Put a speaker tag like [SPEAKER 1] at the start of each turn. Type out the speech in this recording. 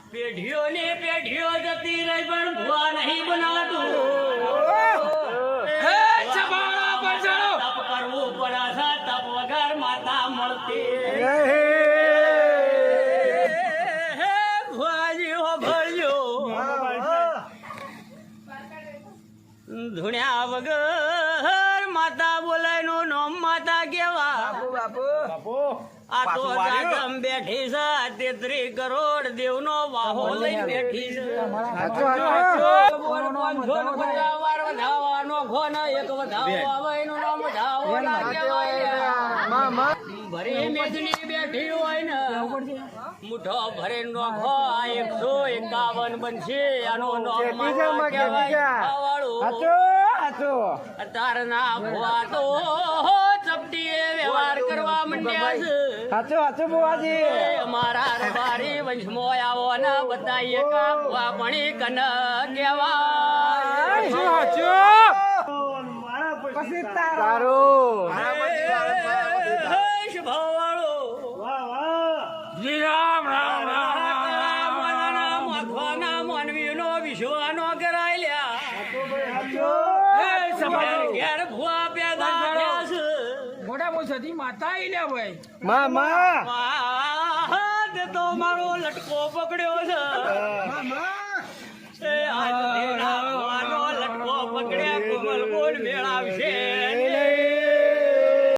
[SPEAKER 1] પેઢીઓ ને પેઢીઓ જતી રહી પણ ભુવા નહીં બનાતું. તપ કરવું પડે છે, તપ વગર માતા મળતી. ભુવાજી હો ભળ્યો ધૂણ્યા વગર માતા બોલાય નું નામ માતા કેવા. આ તો જાગમ બેઠી છે 33 કરોડ દેવનો વાહો લઈને બેઠી છે. ભરી મેદની બેઠી હોય ને મુઠો ભરે નોખો 151 બનશે. આનો નામ માતા કહેવાય. તારના ભુવા તો ચપટીએ વ્યવહાર કરવા માંડ્યા છે. અમારા રબારી વંશમાં આવો ને બતાઈએ કા ભુવા ભણી કન કહેવાય. માનવીનો વિશ્વાનો કરાયેલા ઘેર ભુવા પેદા થયા છે.
[SPEAKER 2] મોટા મોસતી માતા આઈલ્યા ભાઈ
[SPEAKER 1] તે તો મારો લટકો પકડ્યો છે. એ આજ તેના ભુવાનો લટકો પકડ્યા કોમલ બોલ મેળાવશે.